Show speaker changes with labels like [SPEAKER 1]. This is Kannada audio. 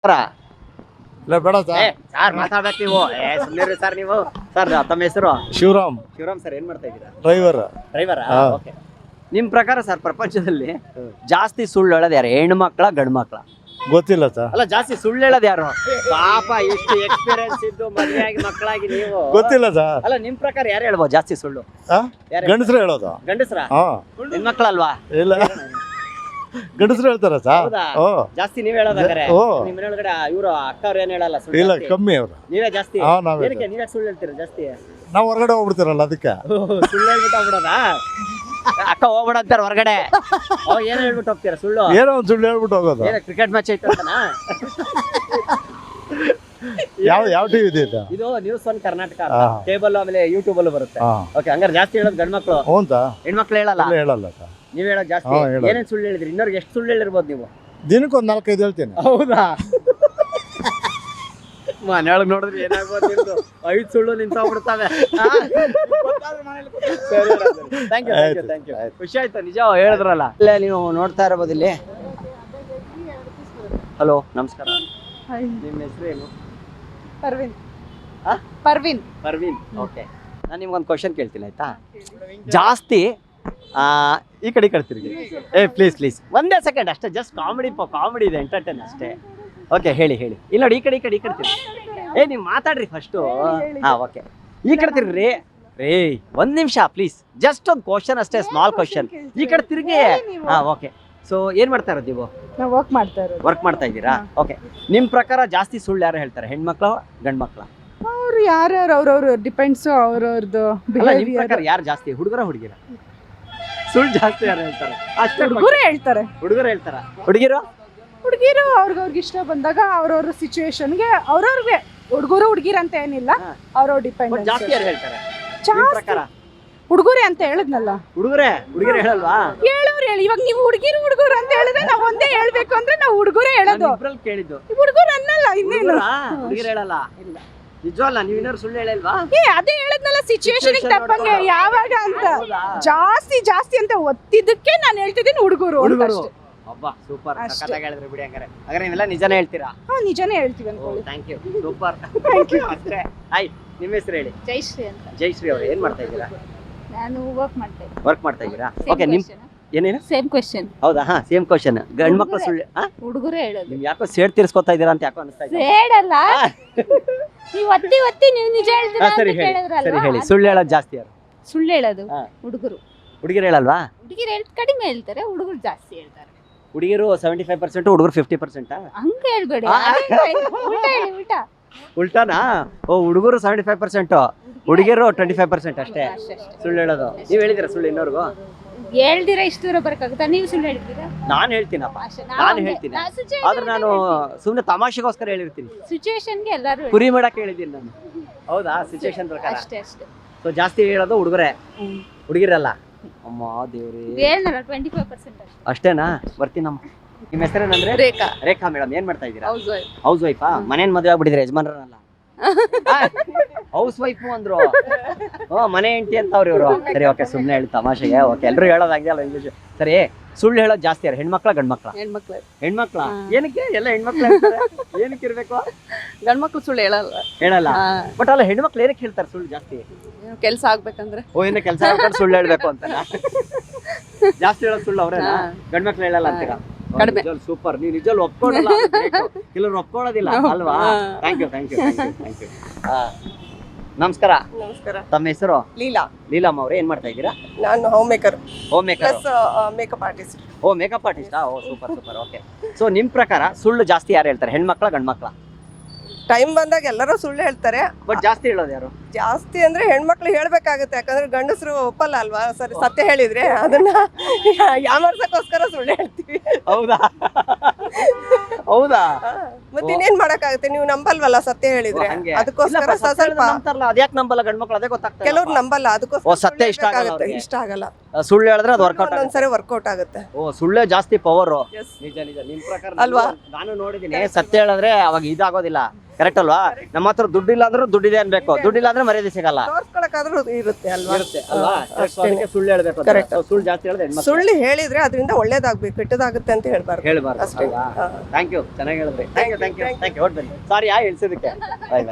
[SPEAKER 1] ಇಲ್ಲ ಬೇಡ ಸರ್.
[SPEAKER 2] ಸರ್ ಮಾತಾಡ್ಬೇಕು ನೀವು. ಸುಮ್ಮನೆ ಸರ್ ನೀವು. ಸರ್ ತಮ್ಮ ಹೆಸರು?
[SPEAKER 1] ಶಿವರಾಮ್.
[SPEAKER 2] ಶಿವರಾಮ್ ಸರ್, ಏನ್ ಮಾಡ್ತಾ ಇದ್ದೀರಾ?
[SPEAKER 1] ಡ್ರೈವರ್.
[SPEAKER 2] ಓಕೆ. ನಿಮ್ ಪ್ರಕಾರ ಸರ್ ಪ್ರಪಂಚದಲ್ಲಿ ಜಾಸ್ತಿ ಸುಳ್ಳು ಹೇಳೋದು ಯಾರು, ಹೆಣ್ಣು ಮಕ್ಕಳ ಗಂಡು ಮಕ್ಕಳ?
[SPEAKER 1] ಗೊತ್ತಿಲ್ಲ ಸರ್.
[SPEAKER 2] ಅಲ್ಲ, ಜಾಸ್ತಿ ಸುಳ್ಳು ಹೇಳೋದು ಯಾರು? ಪಾಪ ಎಷ್ಟು ಎಕ್ಸ್ಪೀರಿಯನ್ಸ್ ಇದ್ದು ಮದುವೆಯಾಗಿ ಮಕ್ಕಳಾಗಿ ನೀವು.
[SPEAKER 1] ಗೊತ್ತಿಲ್ಲ ಸರ್.
[SPEAKER 2] ಅಲ್ಲ, ನಿಮ್ ಪ್ರಕಾರ ಯಾರು ಹೇಳ್ಬೋದು ಜಾಸ್ತಿ ಸುಳ್ಳು?
[SPEAKER 1] ಗಂಡಸ್ರು ಹೇಳೋದು.
[SPEAKER 2] ಗಂಡಸ್ರ?
[SPEAKER 1] ಹಾ.
[SPEAKER 2] ಹೆಣ್ಮಕ್ಳಲ್ವಾ?
[SPEAKER 1] ಇಲ್ಲ, ಗಂಡಸ್ರು ಹೇಳ್ತಾರ ಸರ್.
[SPEAKER 2] ಹೌದಾ? ಜಾಸ್ತಿ ನೀವ್ ಹೇಳೋದಾದ್ರೆ ನಿಮ್ ಮನೆಯೊಳಗಡೆ ಇವ್ರು ಅಕ್ಕ ಅವ್ರು ಏನ್ ಹೇಳಲ್ಲ ಸುಳ್ಳು?
[SPEAKER 1] ಇಲ್ಲ,
[SPEAKER 2] ಜಾಸ್ತಿ?
[SPEAKER 1] ಕಮ್ಮಿ ಅವ್ರು.
[SPEAKER 2] ನೀವೇ ಜಾಸ್ತಿ?
[SPEAKER 1] ಹಾ, ನಾವೇ.
[SPEAKER 2] ಏನಕ್ಕೆ ನೀವೇ ಸುಳ್ಳು ಹೇಳ್ತೀರಾ ಜಾಸ್ತಿ?
[SPEAKER 1] ನಾವ್ ಹೊರಗಡೆ ಹೋಗ್ಬಿಡ್ತೀರಲ್ಲ ಅದಕ್ಕೆ.
[SPEAKER 2] ಸುಳ್ಳು ಹೇಳ್ಬಿಟ್ಟು ಹೋಗ್ಬಿಡೋದಾ? ಅಕ್ಕ ಹೋಗ್ಬಿಡ ಅಂತಾರ ಹೊರಗಡೆ, ಅವಾಗ ಏನ್ ಹೇಳ್ಬಿಟ್ಟು ಹೋಗ್ತೀರಾ ಸುಳ್ಳು?
[SPEAKER 1] ಏನೋ ಒಂದ್ ಸುಳ್ಳು ಹೇಳ್ಬಿಟ್ಟು ಹೋಗೋದು.
[SPEAKER 2] ಏನ ಕ್ರಿಕೆಟ್ ಮ್ಯಾಚ್ ಐತೆ ಅಂತನಾ?
[SPEAKER 1] ಯಾವ ಟಿವಿ ಇದೆ ಇದು?
[SPEAKER 2] ಇದು ನ್ಯೂಸ್ ಒನ್ ಕರ್ನಾಟಕ ಕೇಬಲ್, ಆಮೇಲೆ ಯೂಟ್ಯೂಬ್ ಅಲ್ಲೂ ಬರುತ್ತೆ. ಓಕೆ, ಹಂಗಾರೆ ಜಾಸ್ತಿ ಹೇಳೋದು ಗಂಡ್ ಮಕ್ಳು,
[SPEAKER 1] ಹೌದಾ?
[SPEAKER 2] ಹೆಣ್ಮಕ್ಳು ಹೇಳಲ್ಲ?
[SPEAKER 1] ಹೇಳಲ್ಲ ಸರ್.
[SPEAKER 2] ನೀವ್ ಹೇಳೋದು ಜಾಸ್ತಿ. ಏನೇನ್ ಸುಳ್ಳು ಹೇಳಿದ್ರಿ? ಇನ್ನೊರ್ಗೆ ಎಷ್ಟು ಸುಳ್ಳು ಹೇಳಿರ್ಬೋದು ನೀವು?
[SPEAKER 1] ದಿನಕ್ಕೊಂದ್ 4-5 ಹೇಳ್ತೀನಿ.
[SPEAKER 2] ಹೌದಾ? ಮನೆಯೊಳಗೆ ನೋಡಿದ್ರೆ ಏನಾಗ್ಬೋದು ನಿಮ್ದು? 5 ಸುಳ್ಳು ನಿಂತೋಗ್ಬಿಡ್ತಾವೆ. Thank you. ಖುಷಿ ಆಯ್ತು ನಿಜ ಹೇಳಿದ್ರಲ್ಲ. ಇಲ್ಲೇ ನೀವು ನೋಡ್ತಾ ಇರಬಹುದು ಇಲ್ಲಿ. ಹಲೋ, ನಮಸ್ಕಾರ. ನಿಮ್ಮ ಹೆಸರು ಏನು?
[SPEAKER 3] ಪರ್ವಿನ್.
[SPEAKER 2] ಪರ್ವಿನ್. ಓಕೆ, ನಾನು ನಿಮ್ಗೊಂದು ಕ್ವಶನ್ ಕೇಳ್ತೀನಿ, ಆಯ್ತಾ? ಜಾಸ್ತಿ ಈ ಕಡೆ ತಿರುಗಿ. ಪ್ಲೀಸ್ ಒಂದೇ ಸೆಕೆಂಡ್ ಅಷ್ಟೇ, ಜಸ್ಟ್ ಕಾಮಿಡಿ ಇದೆ, ಎಂಟರ್ಟೈನ್ ಅಷ್ಟೇ. ಓಕೆ, ಹೇಳಿ. ಇಲ್ಲ ನೋಡಿ, ಈ ಕಡೆ ತಿರುಗಿ. ನೀವು ಮಾತಾಡ್ರಿ ಫಸ್ಟು. ಓಕೆ, ಈ ಕಡೆ ತಿರ್ಗ್ರಿ. ಒಂದ್ ನಿಮಿಷ ಪ್ಲೀಸ್, ಜಸ್ಟ್ ಒಂದು ಕ್ವಶನ್ ಅಷ್ಟೇ, ಸ್ಮಾಲ್ ಕ್ವಶನ್. ಈ ಕಡೆ ತಿರುಗಿ. ಓಕೆ. ಸೊ ಏನ್ ಮಾಡ್ತಾ ಇರೋದು ನೀವು? ವರ್ಕ್ ಮಾಡ್ತಾ ಇದ್ದೀರಾ? ಓಕೆ. ನಿಮ್ ಪ್ರಕಾರ ಜಾಸ್ತಿ ಸುಳ್ಳು ಯಾರು ಹೇಳ್ತಾರೆ, ಹೆಣ್ಮಕ್ಳು ಗಂಡ್ ಮಕ್ಳ?
[SPEAKER 3] ಅವ್ರು ಯಾರ್ಯಾರು ಅವ್ರವ್ರು ಡಿಪೆಂಡ್ಸ್ ಅವ್ರವ್ರದ್ದು
[SPEAKER 2] ನಿಮ್ ಪ್ರಕಾರ ಯಾರು ಜಾಸ್ತಿ, ಹುಡುಗರ ಹುಡುಗಿರ? ಸುಳ್ಳು ಜಾಸ್ತಿ ಯಾರು ಹೇಳ್ತಾರೆ? ಅಷ್ಟೇ
[SPEAKER 3] ಹುಡುಗರು ಹೇಳ್ತಾರೆ.
[SPEAKER 2] ಹುಡುಗರು ಹೇಳ್ತಾರ? ಹುಡುಗಿರು
[SPEAKER 3] ಅವ್ರಿಗೆ ಇಷ್ಟ ಬಂದಾಗ ಅವ್ರವ್ರ ಸಿಚುವೇಶನ್ಗೆ ಅವ್ರವ್ರಿಗೆ, ಹುಡುಗರು ಹುಡುಗಿರ ಅಂತ ಏನಿಲ್ಲ, ಅವ್ರವ್ರ ಡಿಪೆಂಡ್.
[SPEAKER 2] ಜಾಸ್ತಿ ಯಾರು ಹೇಳ್ತಾರೆ ನಿಮ್ ಪ್ರಕಾರ?
[SPEAKER 3] ಹುಡುಗರೇ ಅಂತ ಹೇಳಿದ್ನಲ್ಲ.
[SPEAKER 2] ಹುಡುಗರು ಹೇಳಲ್ವಾ?
[SPEAKER 3] ಹೇಳಿ. ಇವಾಗ ನೀವು ಹುಡುಗರು ಅಂತ ಹೇಳಿದ್ರೆ ನಾವ್ ಒಂದೇ ಹೇಳ್ಬೇಕು ಅಂದ್ರೆ ನಾವು ಹುಡುಗರೇ ಹೇಳೋದು.
[SPEAKER 2] ಕೇಳಿದ್ದು
[SPEAKER 3] ಹುಡುಗರು ಅನ್ನಲ್ಲ, ಇನ್ನೇನು
[SPEAKER 2] ಹುಡುಗಿರು ಹೇಳಲ್ಲ? ಇಲ್ಲ, ನಿಜವಲ್ಲ. ನೀವು ಇನ್ನೊಂದು ಸುಳ್ಳು ಹೇಳಲ್ವಾ?
[SPEAKER 3] ಅದೇ ಹೇಳದ್ನಲ್ಲ, ಸಿಚುವೇಶನ್ ತಪ್ಪಂಗೆ ಯಾವಾಗ ಅಂತ. ಜಾಸ್ತಿ ಅಂತ ಒತ್ತಿದ್ದಕ್ಕೆ ನಾನು ಹೇಳ್ತಿದ್ದೀನಿ ಹುಡುಗರು.
[SPEAKER 2] ಅಬ್ಬಾ, ಸೂಪರ್. ಸಕ್ಕತ್ತಾಗಿ ಹೇಳಿದ್ರಿ ಬಿಡಿ. ಹಾಗಾದ್ರೆ ನೀವೆಲ್ಲ ನಿಜಾನೇ ಹೇಳ್ತೀರಾ?
[SPEAKER 3] ನಿಜಾನೇ ಹೇಳ್ತೀವಿ ಅನ್ಕೊಳ್ಳಿ.
[SPEAKER 2] Thank you, super. ಅಷ್ಟೇ. ನಿಮ್ಮ ಹೆಸರು ಹೇಳಿ?
[SPEAKER 3] ಜಯಶ್ರೀ ಅಂತ.
[SPEAKER 2] ಜಯಶ್ರೀ ಅವರು, ಏನ್ ಮಾಡ್ತಾ ಇದ್ದೀರಾ?
[SPEAKER 3] ನಾನು ವರ್ಕ್ ಮಾಡ್ತಾ
[SPEAKER 2] ಇದ್ದೀರಾ? ಓಕೆ. ನಿಮ್ ಏನೇನು?
[SPEAKER 3] Same question.
[SPEAKER 2] ಹೌದಾ? Same question. ಗಂಡ್ ಮಕ್ಳು ಸುಳ್ಳು
[SPEAKER 3] ಹುಡುಗರೇ ಹೇಳೋದು.
[SPEAKER 2] ನಿಮ್ ಯಾಕೋ ಸೇಡ್ ತೀರ್ಸ್ಕೊತಾ ಇದೀರಾ ಅಂತ ಯಾಕೋ ಅನಿಸ್ತಾ ಇದೆ.
[SPEAKER 3] ಸೇಡಲ್ಲ, ನೀವು ಒತ್ತಿ ನೀವು ನಿಜ ಹೇಳ್ತೀರಾ ಅಂತ
[SPEAKER 2] ಸರಿ
[SPEAKER 3] ಕೇಳಿದ್ರಲ್ವಾ?
[SPEAKER 2] ಹೇಳಿ. ಸುಳ್ಳು ಹೇಳೋದು ಜಾಸ್ತಿ ಯಾರು?
[SPEAKER 3] ಸುಳ್ಳು ಹೇಳೋದು ಹುಡುಗರು
[SPEAKER 2] ಹೇಳಲ್ವಾ?
[SPEAKER 3] ಹುಡುಗಿರು ಕಡಿಮೆ ಹೇಳ್ತಾರೆ, ಹುಡುಗರು ಜಾಸ್ತಿ ಹೇಳ್ತಾರೆ.
[SPEAKER 2] ಹುಡುಗಿರು 75%, ಹುಡುಗರು 50%.
[SPEAKER 3] ಹಂಗ ಹೇಳ್ಬೇಡಿ,
[SPEAKER 2] ಉಲ್ಟಾನಾ? ಹುಡುಗರು 75%, ಹುಡುಗಿರು 25% ಅಷ್ಟೇ ಸುಳ್ಳು ಹೇಳೋದು. ನೀವ್ ಹೇಳಿದಿರ ಸುಳ್ಳು ಇನ್ನೋರ್ಗು?
[SPEAKER 3] ಹೇಳ್ದಿರಾ ಇಷ್ಟು ದೂರ ಬರಕಾಗುತ್ತಾ? ನೀವು ಸುಳ್ಳು ಹೇಳ್ತೀರಾ?
[SPEAKER 2] ನಾನು ಹೇಳ್ತೀನಪ್ಪ, ಆದ್ರೆ ನಾನು ಸುಮ್ನೆ ತಮಾಷೆಗೋಸ್ಕರ ಹೇಳಿರ್ತೀನಿ.
[SPEAKER 3] ಸಿಚುವೇಶನ್ಗೆ ಎಲ್ಲರೂ
[SPEAKER 2] ಕುರಿ ಮಾಡಕ್ ಹೇಳಿದ್ದೀನಿ ನಾನು. ಹೌದಾ? ಸಿಚುವೇಶನ್ ಪ್ರಕಾರ
[SPEAKER 3] ಅಷ್ಟೇ.
[SPEAKER 2] ಸೊ ಜಾಸ್ತಿ ಹೇಳೋದು ಹುಡುಗರೇ, ಹುಡುಗಿರಲ್ಲ. ಅಮ್ಮ ದೇವ್ರಿ,
[SPEAKER 3] 25%
[SPEAKER 2] ಅಷ್ಟೇನಾ? ಬರ್ತೀನಮ್ಮ. ನಿಮ್ಮ ಹೆಸರೇನಂದ್ರೆ? ರೇಖಾ ಮೇಡಮ್. ಏನ್ ಮಾಡ್ತಾ ಇದ್ದೀರಾ? ಹೌಸ್ ವೈಫಾ? ಮನೇನ್ ಮದುವೆ ಆಗ್ಬಿಟ್ಟಿದ್ರೆ ಯಜಮಾನ್ರಲ್ಲ? ಹೌಸ್ ವೈಫು ಅಂದ್ರು. ಮನೆ ಹೆಂಡತಿ ಅಂತ ಅವ್ರು ಇವರು. ಸರಿ, ಓಕೆ, ಸುಮ್ಮನೆ ಹೇಳಿ ತಮಾಷೆಗೆ. ಓಕೆ, ಎಲ್ಲರೂ ಹೇಳೋದು ಹಂಗೆ ಅಲ್ಲ ಇಂಗ್ಲೀಷ್. ಸರಿ, ಸುಳ್ಳು ಹೇಳೋದು ಜಾಸ್ತಿ ಯಾರು, ಹೆಣ್ಮಕ್ಳ ಗಂಡ್ ಮಕ್ಳ? ಹೆಣ್ಮಕ್ಳ. ಏನಕ್ಕೆ? ಎಲ್ಲ ಹೆಣ್ಮಕ್ಳು ಏನಕ್ಕೆ ಇರ್ಬೇಕು?
[SPEAKER 3] ಗಂಡ್ಮಕ್ಳು ಸುಳ್ಳು
[SPEAKER 2] ಹೇಳಲ್ಲ. ಬಟ್ ಅಲ್ಲ, ಹೆಣ್ಮಕ್ಳು ಏನಕ್ಕೆ ಹೇಳ್ತಾರೆ ಸುಳ್ಳು ಜಾಸ್ತಿ?
[SPEAKER 3] ಕೆಲಸ ಆಗ್ಬೇಕಂದ್ರೆ.
[SPEAKER 2] ಏನೋ ಕೆಲಸ ಆಗ್ಬೇಕು ಸುಳ್ಳು ಹೇಳ್ಬೇಕು ಅಂತ ಜಾಸ್ತಿ ಹೇಳೋದು ಸುಳ್ಳು ಅವ್ರೇನಾ? ಗಂಡ್ಮಕ್ಳು ಹೇಳಲ್ಲ ಅಂತೀರಾ? ಸೂಪರ್. ನೀವು ನಿಜವೂ ಒಪ್ಕೊಳ್ಳಲ್ಲ, ಕೆಲವ್ರು ಒಪ್ಕೊಳ್ಳೋದಿಲ್ಲ ಅಲ್ವಾ? Thank you. ನಮಸ್ಕಾರ. ತಮ್ಮ ಹೆಸರು? ಲೀಲಮ್ಮ ಅವ್ರೆ, ಏನ್ ಮಾಡ್ತಾ ಇದ್ದೀರಾ?
[SPEAKER 4] ನಾನು home maker
[SPEAKER 2] makeup artist. Super. Okay. So ನಿಮ್ ಪ್ರಕಾರ ಸುಳ್ಳು ಜಾಸ್ತಿ ಯಾರು ಹೇಳ್ತಾರೆ, ಹೆಣ್ಮಕ್ಳ ಗಂಡ್ ಮಕ್ಳ?
[SPEAKER 4] ಟೈಮ್ ಬಂದಾಗ ಎಲ್ಲರೂ ಸುಳ್ಳು ಹೇಳ್ತಾರೆ,
[SPEAKER 2] ಬಟ್ ಜಾಸ್ತಿ ಹೇಳೋದು ಯಾರು?
[SPEAKER 4] ಜಾಸ್ತಿ ಅಂದ್ರೆ ಹೆಣ್ಮಕ್ಳು ಹೇಳ್ಬೇಕಾಗುತ್ತೆ, ಯಾಕಂದ್ರೆ ಗಂಡಸರು ಒಪ್ಪಲ್ಲ ಅಲ್ವಾ? ಸರಿ, ಸತ್ಯ ಹೇಳಿದ್ರೆ ಅದನ್ನ ಯಾಮರ್ಸಕ್ಕೋಸ್ಕರ ಸುಳ್ಳು ಹೇಳ್ತೀವಿ.
[SPEAKER 2] ಹೌದಾ?
[SPEAKER 4] ಮತ್ತೆ ಇನ್ನೇನ್ ಮಾಡಕ್ಕಾಗುತ್ತೆ? ನೀವು ನಂಬಲ್ವಲ್ಲ ಸತ್ಯ ಹೇಳಿದ್ರೆ, ಅದಕ್ಕೋಸ್ಕರ ಸ್ವಲ್ಪ
[SPEAKER 2] ಅದ್ಯಾಕ್ ನಂಬಲ್ಲ ಗಂಡ್ಮಕ್ಳು? ಅದೇ ಗೊತ್ತಾಗ್ತದೆ.
[SPEAKER 4] ಕೆಲವ್ರು ನಂಬಲ್ಲ, ಅದಕ್ಕೋಸ್ಕರ
[SPEAKER 2] ಸತ್ಯ ಇಷ್ಟ ಆಗಲ್ಲ. ಸುಳ್ಳು ಹೇಳಿದ್ರೆ ಅದು
[SPEAKER 4] ಒಂದೊಂದ್ಸರಿ ವರ್ಕೌಟ್ ಆಗುತ್ತೆ.
[SPEAKER 2] ಸುಳ್ಳೇ ಜಾಸ್ತಿ ಪವರ್. ನಿಜ. ನಿಮ್ ಪ್ರಕಾರ ಅಲ್ವಾ? ನಾನು ನೋಡಿದೀನಿ, ಸತ್ಯ ಹೇಳಿದ್ರೆ ಅವಾಗ ಇದಾಗೋದಿಲ್ಲ. ಕರೆಕ್ಟ್ ಅಲ್ವಾ? ನಮ್ಮ ಹತ್ರ ದುಡ್ಡಿಲ್ಲ ಅಂದ್ರೂ ದುಡ್ಡಿದೆ ಅನ್ಬೇಕು, ದುಡ್ಡಿಲ್ಲ ಅಂದ್ರೆ ಮರ್ಯಾದೆ ಸಿಗಲ್ಲ.
[SPEAKER 4] ಬೇಕಾದ್ರೂ ಇರುತ್ತೆ ಅಲ್ವಾ
[SPEAKER 2] ಇರುತ್ತೆ ಅಲ್ವಾ
[SPEAKER 4] ಹಾ, ಅಷ್ಟೇನೆ.
[SPEAKER 2] ಸುಳ್ಳು ಹೇಳ್ಬೇಕು ಅಂತ.
[SPEAKER 4] Correct.
[SPEAKER 2] ಸುಳ್ಳು ಜಾಸ್ತಿ ಹೇಳಿದ್ರೆ ಹೆಣ್ಮಕ್ಳು
[SPEAKER 4] ಸುಳ್ಳು ಹೇಳಿದ್ರೆ ಅದರಿಂದ ಒಳ್ಳೇದಾಗ್ಬೇಕು ಕೆಟ್ಟದಾಗುತ್ತೆ ಅಂತ ಹೇಳ್ಬಾರ್ದು
[SPEAKER 2] ಹೇಳ್ಬಾರ್ದು
[SPEAKER 4] ಅಷ್ಟೇ.
[SPEAKER 2] ಅಲ್ವಾ
[SPEAKER 4] ಹಾ.
[SPEAKER 2] ಥ್ಯಾಂಕ್ ಯು ಚೆನ್ನಾಗಿ ಹೇಳಿದ್ರಿ thank you thank you thank you ಹೊರಟ್ ಬನ್ನಿ ಸಾರಿ ಹೇಳ್ಸಿದ್ದಕ್ಕೆ ಬಾಯ್ ಬಾಯ್